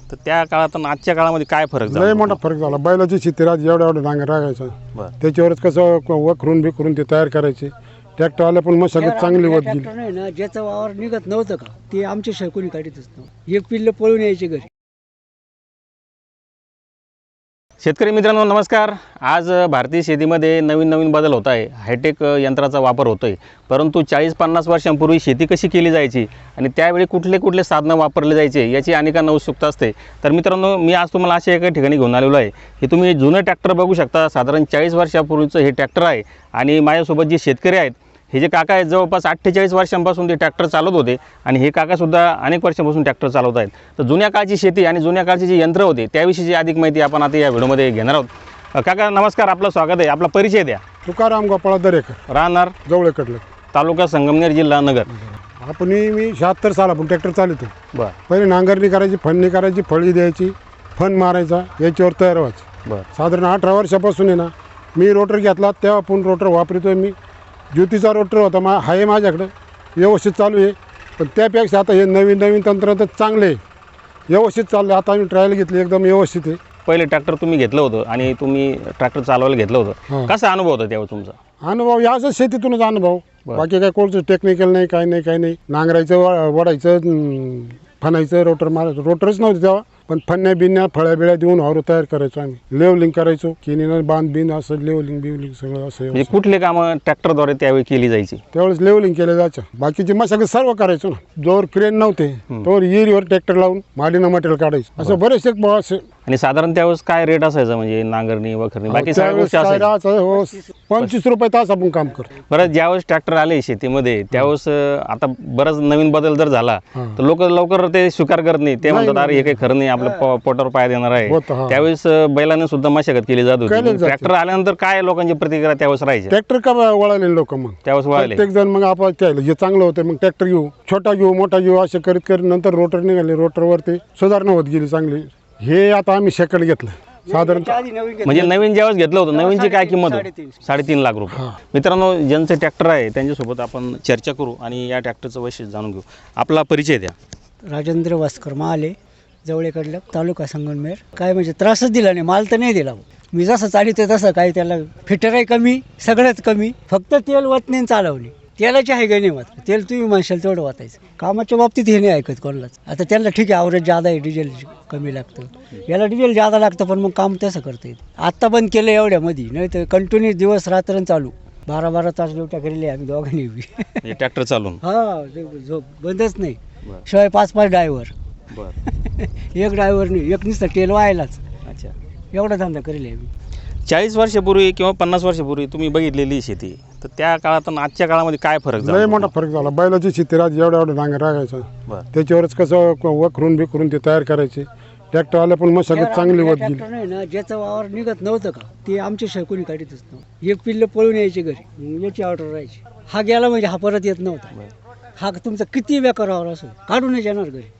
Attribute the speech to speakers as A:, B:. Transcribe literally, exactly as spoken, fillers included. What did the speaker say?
A: तर त्या काळात आणि आजच्या काळामध्ये काय फरक झाला?
B: लय मोठा फरक झाला. बैलाची शेती राहत एवढा एवढा नांगर राखायचा,
A: बरं.
B: त्याच्यावरच कसं वखरून बिखरून ते तयार करायचे. ट्रॅक्टर आले पण मशागत चांगली होत गेली.
C: नाही ना, ज्याचं वावर निघत नव्हतं का ते आमच्या शैकोनी काढीतच नव्हतं. एक पिल्ल पळून यायचे घरी.
A: शेतकरी मित्रांनो नमस्कार. आज भारतीय शेतीमध्ये नवीन नवीन बदल होत आहे. हायटेक यंत्राचा वापर होतो आहे. परंतु चाळीस पन्नास वर्षांपूर्वी शेती कशी केली जायची आणि त्यावेळी कुठले कुठले साधनं वापरले जायचे याची अनेकांना उत्सुकता असते. तर मित्रांनो मी आज तुम्हाला अशा एका ठिकाणी घेऊन आलेलो आहे. हे तुम्ही जुनं ट्रॅक्टर बघू शकता. साधारण चाळीस वर्षापूर्वीचं हे ट्रॅक्टर आहे. आणि माझ्यासोबत जे शेतकरी आहेत हे जे काका आहेत जवळपास अठ्ठेचाळीस वर्षांपासून ते ट्रॅक्टर चालवत होते आणि हे काकासुद्धा अनेक वर्षांपासून ट्रॅक्टर चालवत आहेत. तर जुन्या काळची शेती आणि जुन्या काळची जी यंत्र होते त्याविषयीची अधिक माहिती आपण आता या व्हिडिओमध्ये घेणार आहोत. काका नमस्कार, आपलं स्वागत आहे. आपला परिचय द्या.
B: तुकाराम गोपाळ दरेकर,
A: राहणार
B: जवळकडलं,
A: तालुका संगमनेर, जिल्हा नगर.
B: आपण मी शहात्तर साल आपण ट्रॅक्टर चालवतो.
A: बरं
B: पहिले नांगरणी करायची, फणणी करायची, फळी द्यायची, फण मारायचा, याच्यावर तयार व्हायचं.
A: बरं
B: साधारण अठरा वर्षापासून आहे ना मी रोटर घेतला, तेव्हा आपण रोटर वापरतोय. मी ज्योतीचा रोटर होता मा आहे माझ्याकडं, व्यवस्थित चालू आहे. पण त्यापेक्षा आता हे नवीन नवीन तंत्र तर चांगले आहे, व्यवस्थित चाललं. आता आम्ही ट्रायल घेतली, एकदम व्यवस्थित आहे.
A: पहिले ट्रॅक्टर तुम्ही घेतलं होतं आणि तुम्ही ट्रॅक्टर चालवायला घेतलं होतं,
B: हां.
A: कसा अनुभव होता त्यावेळी तुमचा?
B: अनुभव याचाच शेतीतूनच अनुभव,
A: बरं.
B: बाकी काय कोणतं टेक्निकल नाही, काही नाही काही नाही. नांगरायचं, व- वडायचं, अं, फणायचं, रोटर मारायचं. रोटरच नव्हते तेव्हा, पण फण्या बिन्या फळ्या बिळ्या देऊन वावर तयार करायचो आम्ही. लेवलिंग करायचो, किनीनं बांध बिन असं लेवलिंग बिवलिंग सगळं असं.
A: म्हणजे कुठले कामं ट्रॅक्टरद्वारे त्यावेळी केली जायची?
B: त्यावेळेस लेवलिंग केलं जायचं. बाकीची मशागत सर्व करायचो ना. जोर क्रेन नव्हते तोवर विहिरीवर ट्रॅक्टर लावून माडीनं मटेरियल काढायचं. असं बरेचसे ब- असे
A: आणि साधारण त्यावेळेस काय रेट असायचा, म्हणजे नांगरणी वखरणी बाकी सगळ्या
B: त्यावेळेस
A: गोष्टी
B: काय
A: असायच्या?
B: राहायचं, हो, पंचवीस रुपये तास आपण काम करतो.
A: बरं, ज्यावेळेस ट्रॅक्टर आले शेतीमध्ये त्यावेळेस अं, आता बराच नवीन बदल जर झाला
B: हां.
A: तर लोक लवकर ते स्वीकार करत नाही. ते म्हणतात
B: नाही,
A: अरे हे काही खरं नाही, आपलं प- पोटावर पाय देणार आहे.
B: होतं, हां.
A: त्यावेळेस अं, बैलाने सुद्धा मशागत केली जात
B: केली
A: होती.
B: जाते.
A: ट्रॅक्टर आल्यानंतर काय लोकांची प्रतिक्रिया त्यावेळेस राहायची?
B: ट्रॅक्टर का वळाले लोक, मग
A: त्यावेळेस वळाले.
B: प्रत्येक जण मग आपण त्याला जे चांगलं होतं मग ट्रॅक्टर घेऊ, छोटा घेऊ, मोठा घेऊ, असे करीत करीत नंतर रोटर निघाले. रोटरवरती सुधारणा होत गेली चांगली. हे आता आम्ही सेकंड घेतलं साधारणतः.
C: आधी नवीन घेतलं.
A: म्हणजे नवीन ज्यावेळेस घेतलं होतं नवीनची काय किंमत होती?
C: साडेतीन.
A: साडेतीन लाख रुपये. मित्रांनो ज्यांचं ट्रॅक्टर आहे त्यांच्यासोबत आपण चर्चा करू आणि या ट्रॅक्टरचं वैशिष्ट्य जाणून घेऊ. आपला परिचय द्या.
C: राजेंद्र वास्कर माले, जवळकडलं, तालुका संगमनेर. काय म्हणजे त्रासच दिला नाही, माल तर नाही दिला. मी जसं चालित तसं काही त्याला फिटरही कमी, सगळंच कमी. फक्त तेल वतने चालवली. तेलाची आहे का नाही मात्र तेल तुम्ही म्हणशाल तेवढं वाचायचं. कामाच्या बाबतीत हे नाही ऐकत कोणालाच. आता त्यांना ठीक आहे, आवरेज जादा आहे, डिझेल कमी लागतं. याला डिझेल जादा लागतं पण मग काम तसं करता येतं. आत्ता बंद केलं एवढ्यामध्ये, नाही तर कंटिन्यू दिवस रात्र चालू, बारा बारा तास ड्युट्या केलेल्या आम्ही दोघांनी बी.
A: हे ट्रॅक्टर चालून
C: हा, ते झोप बंदच नाही.
A: बरं.
C: शिवाय पाच पाच ड्रायव्हर,
A: बरं
C: एक ड्रायव्हर नाही, एक नुसतं तेल व्हायलाच.
A: अच्छा.
C: एवढा धंदा करेल आम्ही.
A: चाळीस वर्षापूर्वी किंवा पन्नास वर्षापूर्वी तुम्ही बघितलेली शेती, तर त्या काळात आणि आजच्या काळामध्ये काय फरक झाला?
B: लय मोठा फरक झाला. बैलाची शेती राहत एवढा एवढा नांगर राखायचा,
A: बरं
B: त्याच्यावरच कसं वखरून बिखरून ते तयार करायचे. ट्रॅक्टर आले पण मशागत चांगली होत गेली.
C: ट्रॅक्टर नाही ना, ज्याचं वावर निघत नव्हतं का ते आमच्या शैकोनी काढीतच नव्हतं. एक पिल्ल पळून यायचे घरी, मग याची ऑर्डर राहायची. हा गेला म्हणजे हा परत येत नव्हता. हा तुमचा किती बेकार वावर असो काढूनच येणार घरी.